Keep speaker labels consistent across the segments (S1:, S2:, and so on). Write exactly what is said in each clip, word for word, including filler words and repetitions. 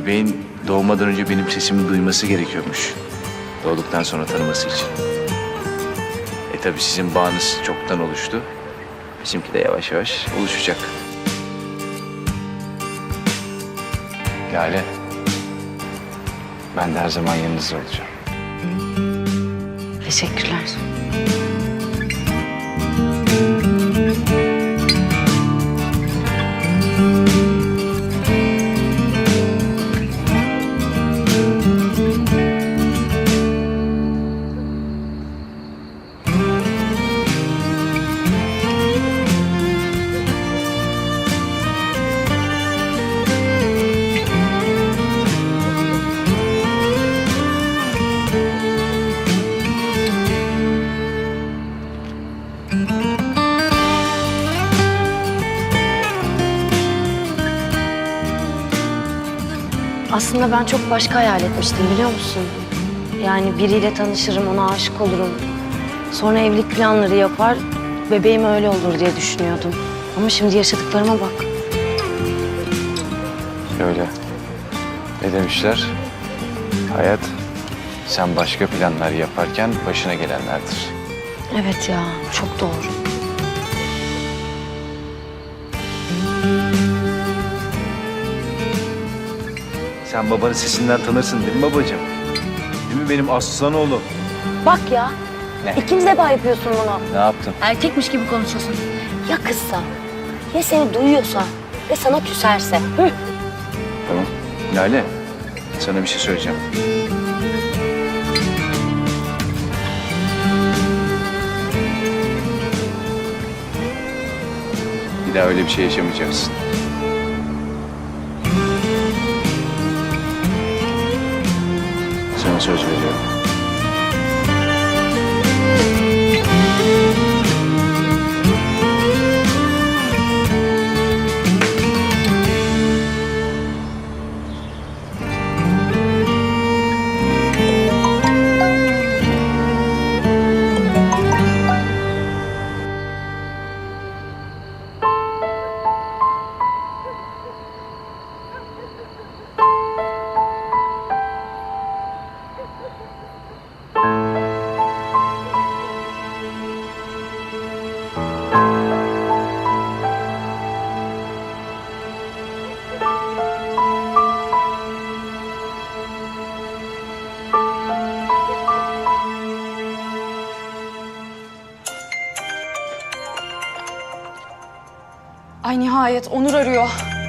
S1: bebeğin doğmadan önce benim sesimi duyması gerekiyormuş. Doğduktan sonra tanıması için. E tabii sizin bağınız çoktan oluştu. Bizimki de yavaş yavaş oluşacak. Lale, ben de her zaman yanınızda olacağım.
S2: Teşekkürler. Aslında ben çok başka hayal etmiştim, biliyor musun? Yani biriyle tanışırım, ona aşık olurum. Sonra evlilik planları yapar, bebeğim öyle olur diye düşünüyordum. Ama şimdi yaşadıklarıma bak.
S1: Öyle. Ne demişler? Hayat, sen başka planlar yaparken başına gelenlerdir.
S2: Evet ya, çok doğru.
S1: Sen babanın sesinden tanırsın değil mi babacığım? Değil mi benim aslan oğlum?
S2: Bak ya,
S1: Ne?
S2: ikinci defa yapıyorsun bunu.
S1: Ne yaptım?
S2: Erkekmiş gibi konuşuyorsun. Ya kızsa, ya seni duyuyorsa ve sana küserse? Hı?
S1: Tamam. Lale, sana bir şey söyleyeceğim. Bir daha öyle bir şey yaşamayacaksın. Sana söz veriyorum.
S3: Ay nihayet Onur arıyor.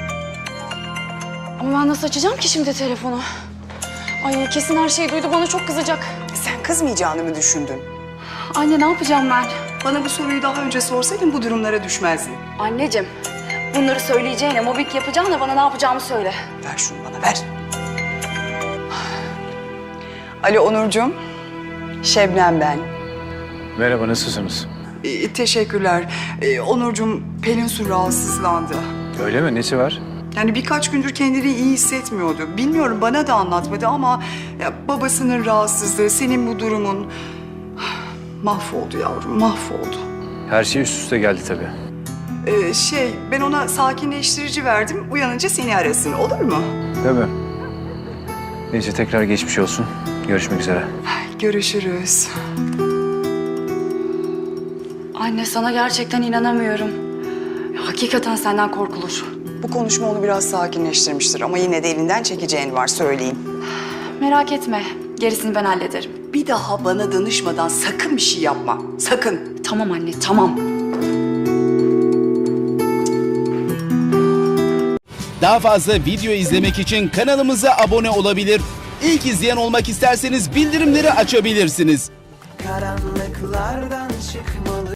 S3: Ama ben nasıl açacağım ki şimdi telefonu? Ay kesin her şeyi duydu, bana çok kızacak.
S4: Sen kızmayacağını mı düşündün?
S3: Anne ne yapacağım ben?
S4: Bana bu soruyu daha önce sorsaydın bu durumlara düşmezdin.
S3: Anneciğim, bunları söyleyeceğine, mobbing yapacağına bana ne yapacağımı söyle.
S4: Ver şunu bana, ver. Alo Onurcuğum, Şebnem ben.
S1: Merhaba, nasılsınız?
S4: Ee, teşekkürler. Ee, Onurcuğum, Pelin Su rahatsızlandı.
S1: Öyle mi? Nesi var?
S4: Yani birkaç gündür kendini iyi hissetmiyordu. Bilmiyorum, bana da anlatmadı ama ya, babasının rahatsızlığı, senin bu durumun... Mahvoldu yavrum, mahvoldu.
S1: Her şey üst üste geldi tabii.
S4: Ee, şey, ben ona sakinleştirici verdim. Uyanınca seni arasın, olur mu?
S1: Tabii. Neyse, tekrar geçmiş olsun. Görüşmek üzere.
S4: Görüşürüz.
S3: Anne sana gerçekten inanamıyorum. Hakikaten senden korkulur.
S4: Bu konuşma onu biraz sakinleştirmiştir ama yine de elinden çekeceğin var, söyleyeyim.
S3: Merak etme, gerisini ben hallederim.
S4: Bir daha bana danışmadan sakın bir şey yapma, sakın.
S3: Tamam anne, tamam.
S5: Daha fazla video izlemek için kanalımıza abone olabilir. İlk izleyen olmak isterseniz bildirimleri açabilirsiniz.
S6: Karanlıklardan çıkmalı.